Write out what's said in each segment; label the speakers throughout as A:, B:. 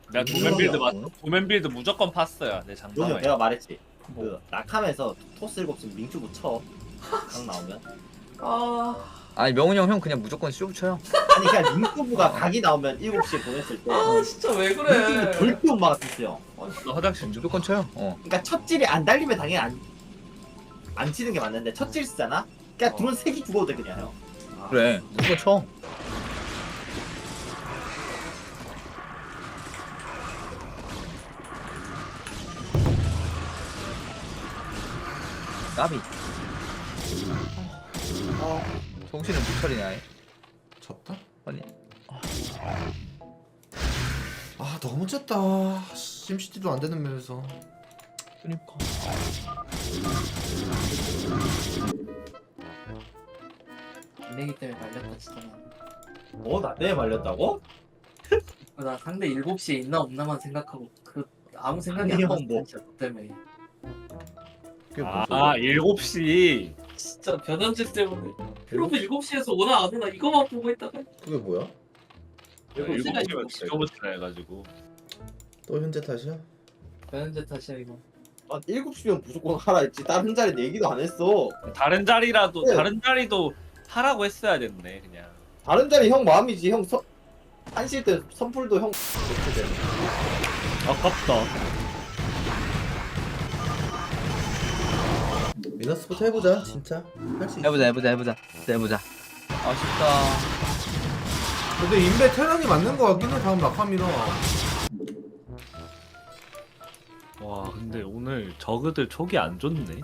A: 내가 도맨 빌드 무조건 팠어요. 내
B: 요즘
A: 장담에.
B: 내가 말했지. 그 낙함에서 토스 7시 민큐브 쳐. 강 나오면.
C: 아니 명훈이 형 그냥 무조건 쇼 쳐요.
B: 아니 그냥 민큐브가 각이 나오면 7시에 보냈을 때.
D: 진짜 왜
B: 민큐브
D: 그래?
B: 절대 못 막았었어요.
A: 너 화장실
C: 무조건 쳐요.
B: 그러니까 첫질이 안 달리면 당연히 안 치는 게 맞는데 첫질 쓰잖아? 그냥 드론 3개 죽어도 돼 그냥 형.
C: 그래 무조건 쳐. 까비. 정신을 못 차리네 아예.
E: 졌다?
C: 아니
E: 아 너무 졌다. 심시티도 안 되는 맵에서.
C: 그니까.
D: 내기 때문에 말렸다 진짜.
B: 뭐? 나 때문에 말렸다고?
D: 나 상대 7시에 있나 없나만 생각하고 아무 생각이
B: 아니,
D: 안
B: 형,
D: 났어
B: 뭐.
D: 진짜 너 때문에.
C: 그게 뭔 소리야.
A: 7시.
D: 진짜 변현재 때문에 프로브 7시에서 오나 안 오나 이거만 보고 있다가
E: 그게 뭐야?
A: 7시면 지켜보시라 해가지고.
E: 또 현재 탓이야?
D: 변현재 탓이야 이거.
B: 아 7시면 무조건 하라 했지. 다른 자리는 얘기도 안 했어.
A: 다른 자리도 하라고 했어야 됐네 그냥.
B: 다른 자리 형 마음이지. 형 한실 때 선풀도 형 이렇게 돼.
A: 아깝다.
E: 미너스부터 해보자 진짜. 할 수 있어.
C: 해보자. 아쉽다.
E: 근데 인베 테란이 맞는 거 같긴 해. 다음 낙함이라.
A: 와 근데 오늘 저그들 촉이 안 좋네.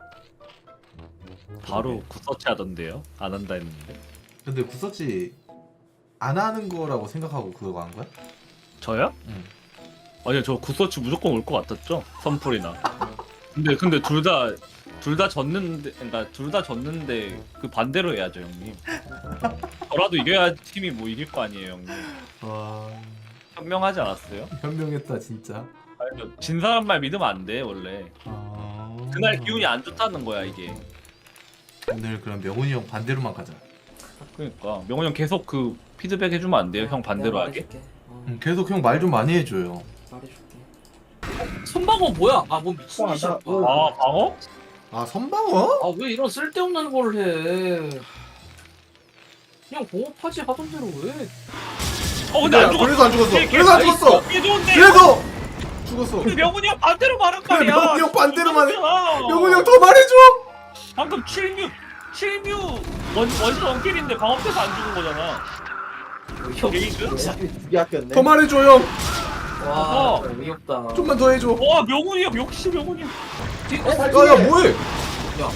A: 바로 굿서치 하던데요? 안 한다 했는데.
E: 근데 구서치 안 하는 거라고 생각하고 그거 한 거야?
A: 저요?
E: 응.
A: 아니요 저 굿서치 무조건 올 것 같았죠? 선풀이나. 근데 둘 다 졌는데, 그러니까 둘 다 졌는데 그 반대로 해야죠 형님. 저라도 이겨야 팀이 뭐 이길 거 아니에요 형님.
E: 와
A: 현명하지 않았어요?
E: 현명했다 진짜.
A: 아니, 진 사람 말 믿으면 안 돼 원래. 그날 기운이 안 좋다는 거야 이게.
E: 오늘 그럼 명훈이 형 반대로만 가자.
A: 그러니까 명훈 형 계속 그 피드백 해주면 안 돼요? 형 반대로
D: 내가
A: 하게?
D: 말해줄게.
E: 계속 형 말 좀 많이 해줘요.
D: 말해줄게. 손방어 뭐야? 뭐 미친 짓이야.
A: 아 방어?
E: 아 선방어?
D: 왜 이런 쓸데없는 걸 해? 그냥 공업하지 하던 대로 왜?
A: 근데 안 죽었어.
E: 그래서 안 죽었어.
A: 걔
E: 그래서 안
A: 나이스.
E: 죽었어.
A: 이게 좋은데.
E: 그래서 죽었어.
A: 근데 명훈이 형 반대로 말한
E: 그래,
A: 말이야.
E: 명훈이 형 반대로만 해.
A: 죽었잖아.
E: 명훈이 형 더 말해줘.
A: 방금 7뮤 원시 원킬인데 방어돼서 안 죽은 거잖아. 게이드?
B: 두개 아꼈네.
E: 더 말해줘 형.
D: 와, 진짜 어이없다.
E: 좀만 더 해줘.
A: 와 명훈이 형 역시 명훈이 형.
E: 야야 뭐해?
D: 야,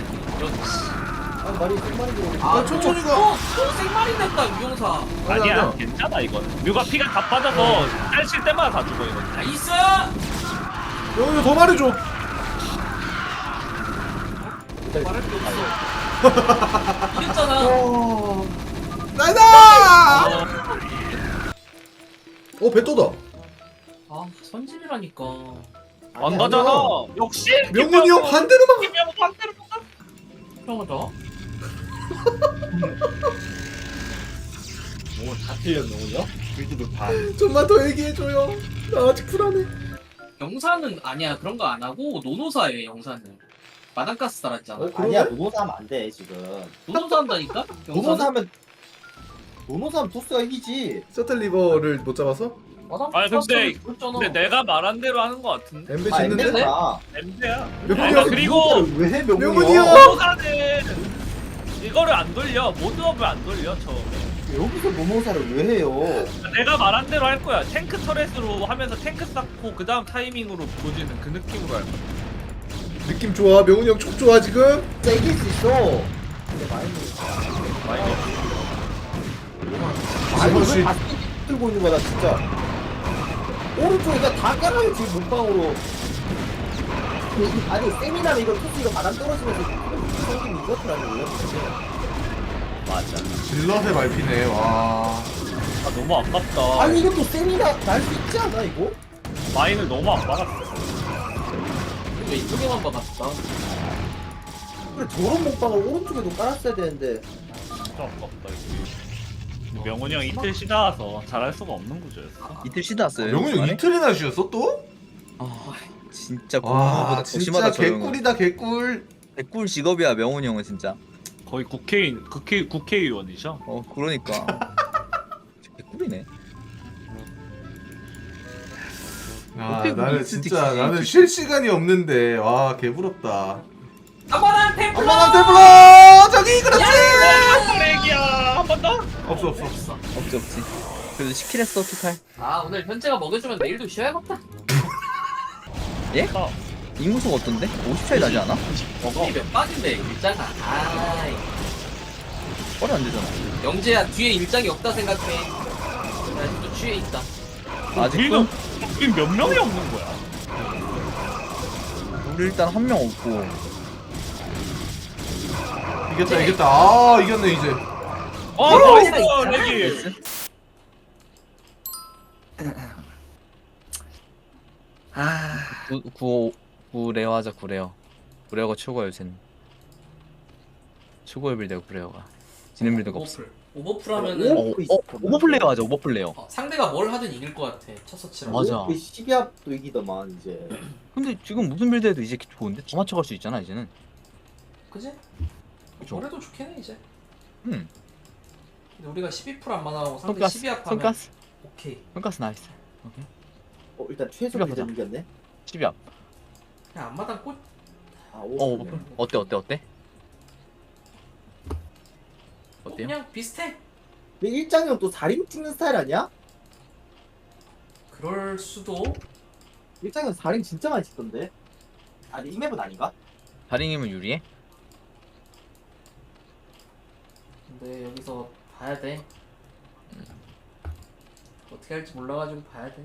B: 아 말이 생말이 들어.
E: 아, 천천히 가.
D: 또 생말이 됐다 유용사.
A: 아니야 괜찮아 이건. 뮤가 피가 다 빠져서 딸칠 때마다 다 죽어 이거.
D: 나이스.
E: 명훈이 형 더 말해줘.
D: 말할 게 없어. 이겼잖아.
E: 나이다. 배또다.
D: 아 선진이라니까.
A: 안 가잖아. 역시
E: 명훈이 형 반대로만.
A: 김명훈 반대로 가.
D: 평하다.
B: 뭐다 틀렸노요? 빌드도 반.
E: 좀만 더 얘기해줘요. 나 아직 불안해.
D: 영사는 아니야 그런 거 안 하고 노노사예요 영사는. 마당가스 달았잖아.
B: 아니야 노노사 하면 안 돼 지금.
D: 노노사 한다니까?
B: 노노사 하면 토스가 이기지.
E: 셔틀 리버를 못 잡아서?
A: 아니, 근데
D: 그랬잖아.
A: 근데 내가 말한 대로 하는 거 같은데.
E: 엠베
B: 아
E: 짓는데?
B: 엠베가
A: 엠드야.
E: 명훈이
A: 아,
E: 형
A: 그리고
B: 왜해
E: 명훈이 형!
A: 노노사는 이거를 안 돌려. 모드업을 안 돌려 처음에.
B: 여기서 노노사를 왜 해요?
A: 내가 말한 대로 할 거야. 탱크 터렛으로 하면서 탱크 쌓고 그 다음 타이밍으로 보지는 그 느낌으로 할 거야.
E: 느낌 좋아. 명훈이 형 촉 좋아 지금.
B: 진짜 이길 수 있어. 근데 많이
E: 혹시-
B: 다 들고 있는 거야 나 진짜. 오른쪽에 그냥 다 깔아요 지금 몸빵으로. 아니 세미나면 이거 토스 이거 바람 떨어지면서 생긴 이것들아니 원래.
A: 맞아.
E: 질럿의 말피네. 와.
A: 아 너무 아깝다.
B: 아니 이것도 세미나 날 수 있지 않아 이거?
A: 마인을 너무 안 박았어.
D: 왜 이쪽에만 박았다.
B: 그래 저런 몸빵을 오른쪽에도 깔았어야 되는데.
A: 진짜 아깝다 이게. 명훈이 형 이틀 쉬다 와서 잘할 수가 없는 구조였어.
C: 이틀 쉬다 왔어요.
E: 명훈이 형
C: 중간에?
E: 이틀이나 쉬었어 또?
C: 아 진짜
E: 와
C: 공무원보다 더
E: 진짜
C: 심하다 저 형은.
E: 개꿀이다 개꿀.
C: 개꿀 직업이야 명훈이 형은 진짜.
A: 거의 국회의원이죠.
C: 그러니까. 개꿀이네.
E: 아
C: 어떻게
E: 나는
C: 미스
E: 진짜
C: 딕시
E: 나는 쉴 시간이 없는데 와 개부럽다.
D: 아빠랑 템플러.
E: 엄마랑 테블러 저기 그렇지.
A: 쓰레기야 한 번 더?
E: 없어.
C: 없지. 그래도 시킬 했어 어떡할.
D: 아 오늘 현재가 먹여주면 내일도 쉬어야겠다.
C: 예?
A: 어.
C: 인구수가 어떤데? 50차이 나지 않아?
D: 먹어. 몇 박인데 일장아. 아이.
C: 뻘이 안 되잖아.
D: 영재야 뒤에 일장이 없다 생각해. 나 아직도 취해 있다.
C: 아직도?
A: 우리 몇 명이 없는 거야?
C: 우리 일단 한 명 없고.
E: 이겼다. 아 이겼네 이제.
A: 나이스 레기.
C: 구레어 하자 구레어. 구레어가 최고야 요새는. 최고의 빌드야 구레어가. 지는 빌드가 없어.
D: 오버풀 하면은
C: 오버플레이어 하자 오버플레이어.
D: 상대가 뭘 하든 이길 것 같아. 첫 서치랑.
C: 맞아.
B: 12합도 이기더만 이제.
C: 근데 지금 무슨 빌드해도 이제 좋은데? 더 맞춰갈 수 있잖아 이제는.
D: 그지?
C: 그쵸.
D: 올해도 좋겠네 이제.
C: 응.
D: 근데 우리가 12%안 만나고 상대
C: 손가스
D: 12합 하면
C: 손가스
D: 오케이.
C: 손가스 나이스. 오케이.
B: 일단 최소
C: 이거 보자.
B: 빌드 이겼네.
C: 12합.
D: 그냥 앞마당 꽃.
B: 아
C: 오버플. 어때? 어때요?
D: 그냥 비슷해.
B: 근데 일장이 형또 4림 찍는 스타일 아니야?
D: 그럴 수도.
B: 일장이 형 4림 진짜 많이 찍던데. 아니 이 맵은 아닌가?
C: 다링이면 유리해?
D: 근데 여기서 봐야 돼. 어떻게 할지 몰라가지고 봐야 돼.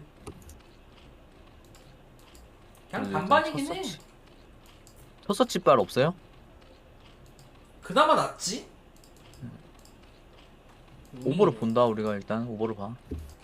D: 그냥 반반이긴 해.
C: 첫 서치 발 없어요?
D: 그나마 낫지?
C: 오버를 본다 우리가 일단 오버를 봐.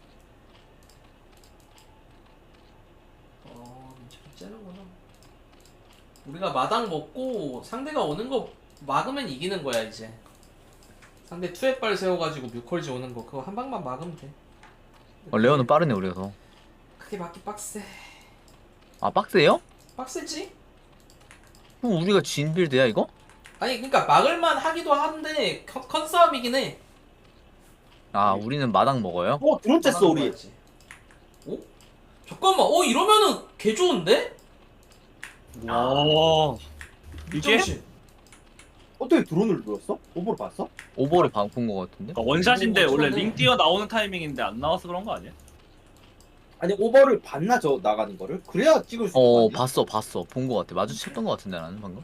D: 민철이 째는구나. 우리가 마당 먹고 상대가 오는 거 막으면 이기는 거야 이제. 상대 투엣발 세워가지고 뮤컬지 오는 거 그거 한 방만 막으면 돼.
C: 레어는 빠르네 우리가 더.
D: 크게 막기 빡세.
C: 아 빡세요?
D: 빡세지?
C: 그럼 우리가 진 빌드야 이거?
D: 아니 그러니까 막을만 하기도 한데 컨싸움이긴 해.
C: 아 우리는 마당 먹어요?
B: 드론 쬐어 우리.
D: 어? 잠깐만. 이러면은 개 좋은데?
A: 와 이게
D: 정신.
B: 어떻게 드론을 눌렀어? 오버를 봤어?
C: 오버를 본거 같은데?
A: 그러니까 원샷인데
D: 오,
A: 원래
D: 저는-
A: 링 뛰어 나오는 타이밍인데 안 나와서 그런 거 아니야?
B: 아니 오버를 봤나 저 나가는 거를? 그래야 찍을 수 있는 거 아니야?
C: 봤어 본 거 같아. 마주쳤던 거 같은데 나는 방금.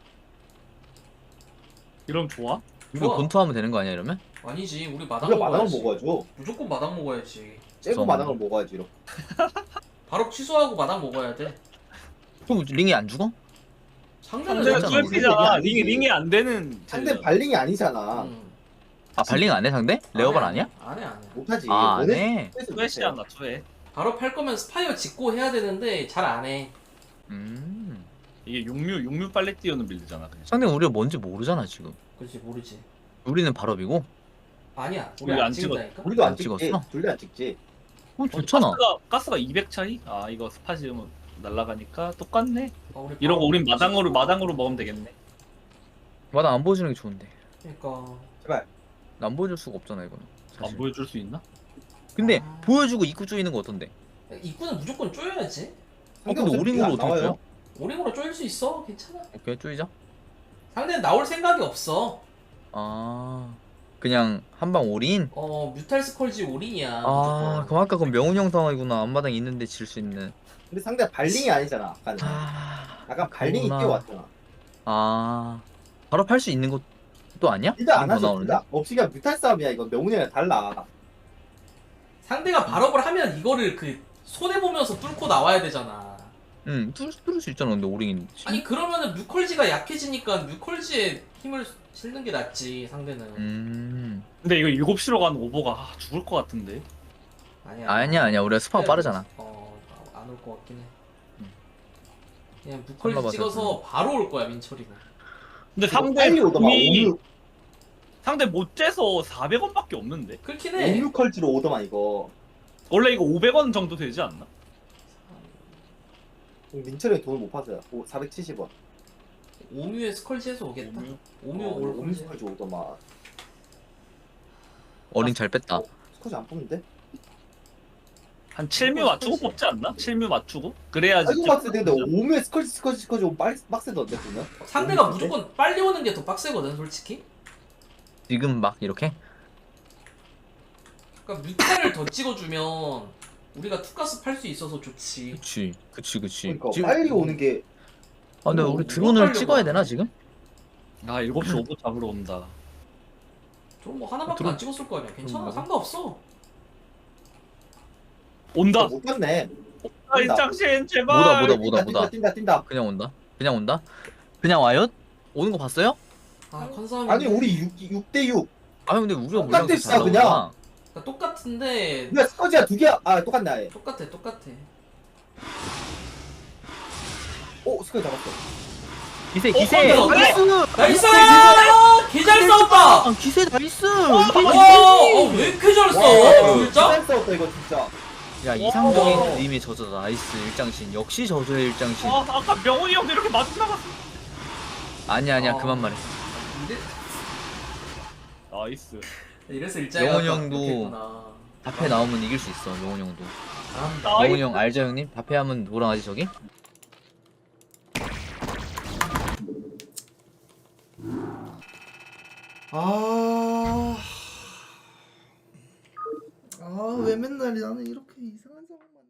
A: 이러면 좋아?
C: 이거
D: 좋아.
C: 본투하면 되는 거 아니야 이러면?
D: 아니지. 우리 마당
B: 우리가 마당을
D: 먹어야지.
B: 먹어야죠.
D: 무조건 마당 먹어야지.
B: 째고
C: 좀-
B: 마당을 먹어야지 이렇게.
D: 바로 취소하고 마당 먹어야 돼.
C: 그럼 링이 안 죽어?
D: 상대는
A: 상대가
C: 맞잖아,
A: 투애피잖아.
B: 우리.
A: 링이 안 되는
B: 상대
A: 쟤잖아.
B: 발링이 아니잖아.
C: 아 발링 안 해 상대? 레어발 아니야?
D: 안해.
B: 못하지.
C: 아 안
B: 너네
C: 해?
A: 투애시야 나 투애.
D: 바로 팔 거면 스파이어 짓고 해야 되는데 잘 안 해.
A: 이게 육류 빨리 뛰어는 빌드잖아 그냥.
C: 상대가 우리가 뭔지 모르잖아 지금.
D: 그렇지 모르지.
C: 우리는 발업이고.
D: 아니야.
A: 우리
D: 우리
A: 안
D: 안 찍는다니까.
B: 우리도 안
C: 안
B: 찍지.
C: 찍었어?
B: 둘 다 안 찍지.
C: 좋잖아.
A: 가스가 200 차이? 아 이거 스파 지으면 날라가니까 똑같네.
D: 우리
A: 이러고
D: 바로
A: 우린
D: 찍고.
A: 마당으로 먹으면 되겠네.
C: 마당 안 보여주는 게 좋은데.
D: 그러니까.
C: 안 보여줄 수가 없잖아 이거는.
A: 안
C: 사실.
A: 보여줄 수 있나?
C: 근데
D: 아.
C: 보여주고 입구 쪼이는 거 어떤데?
D: 입구는 무조건 쪼여야지.
C: 근데
B: 상대
C: 오링으로
B: 안
C: 어떻게
B: 나와요.
C: 쪼여?
D: 오링으로 쪼일 수 있어. 괜찮아.
C: 오케이 쪼이자.
D: 상대는 나올 생각이 없어.
C: 아 그냥 한방 올인?
D: 뮤탈 스컬지 오링이야.
C: 아
D: 무조건.
C: 그럼 아까 그건 명훈 형 상황이구나. 앞마당 있는데 질 수 있는.
B: 근데 상대 발링이 아니잖아. 아까는.
C: 아,
B: 약간 발링이
C: 그렇구나.
B: 뛰어왔잖아.
C: 아 바로 팔 수 있는 것도 아니야?
B: 진짜 안
C: 더
B: 하죠.
C: 나오는데?
B: 진짜. 없이 그냥 뮤탈 싸움이야. 이건 명훈이랑 달라.
D: 상대가 발업을 하면 이거를 그 손해 보면서 뚫고 나와야 되잖아.
C: 응 뚫을 수 있잖아. 근데 올인.
D: 아니 그러면은 뮤컬지가 약해지니까 뮤컬지에 힘을 실는 게 낫지 상대는.
A: 근데 이거 7시로 가는 오버가 죽을 것 같은데.
C: 아니야 우리가 스파가 빠르잖아.
D: 안 올 것 같긴 해. 그냥
C: 설마
D: 뮤컬지 찍어서 바로 올 거야 민철이가.
A: 근데
B: 상대 빨리 오더만.
A: 궁이 상대 못 재서 400원밖에 없는데.
D: 그렇긴 해.
B: 오뮤컬지로 오더만 이거.
A: 원래 이거 500원 정도 되지 않나?
B: 민철이 형이 돈을 못 받아요. 470원.
D: 오뮤에 스컬지에서 오겠다. 오뮤 올 건데.
B: 오뮤컬지 오더만.
C: 어린 잘 뺐다.
B: 스쿼지 안 뽑는데?
A: 한 7뮤 맞추고 뽑지 않나? 7뮤 맞추고? 그래야지.
B: 알고 봤을 때 근데 오뮤에 스쿼지 오면 빡세던데 보면?
D: 상대가 무조건 빨리 오는 게 더 빡세거든 솔직히.
C: 지금 막 이렇게?
D: 그러니까 뮤테를 더 찍어주면 우리가 투가스 팔 수 있어서 좋지.
C: 그치.
B: 그러니까
C: 지금-
B: 빨리 오는 게
C: 아 근데 우리
D: 뭐
C: 드론을
D: 하려고
C: 찍어야
D: 하나?
C: 되나 지금?
A: 아 7시 오버 잡으러 온다.
D: 저뭐 하나밖에
C: 들어-
D: 안 찍었을 거 아니야. 괜찮아.
C: 들어온다고?
D: 상관없어.
A: 온다.
B: 못 갔네.
A: 아 일장신 제발.
C: 뭐다.
B: 뛴다.
C: 그냥 온다? 그냥 와요? 오는 거 봤어요?
D: 아 컨사함이
B: 아니 우리 6대6.
C: 아 근데 우리가
B: 똑같아,
C: 물량
B: 진짜 그냥.
D: 그러니까 똑같은데
B: 근데 스쿼지가 2개야. 아 똑같네 아예.
D: 똑같아.
B: 오 스쿼지 잡았어.
C: 기세
D: 어,
C: 나이스!
D: 나이스! 개잘 싸웠다.
C: 아 기세 나이스!
D: 왜 이렇게 잘 싸워? 진짜?
B: 잘 싸웠다 이거 진짜.
C: 야 이상적인 그림의 저저다 나이스 일장신 역시 저저의 일장신
A: 아 아까 명훈이 형도 이렇게 맞고 나갔어.
C: 아니야
D: 어.
C: 그만 말해
A: 나이스.
D: 이래서 일자야.
C: 영원이 형도
D: 그렇겠구나.
C: 답해 나오면 이길 수 있어 영훈 형도
D: 잘한다.
C: 영훈 형 알죠 형님? 답해 하면 뭐랑 하지 저기?
E: 왜 맨날 나는 이렇게 이상한 상황만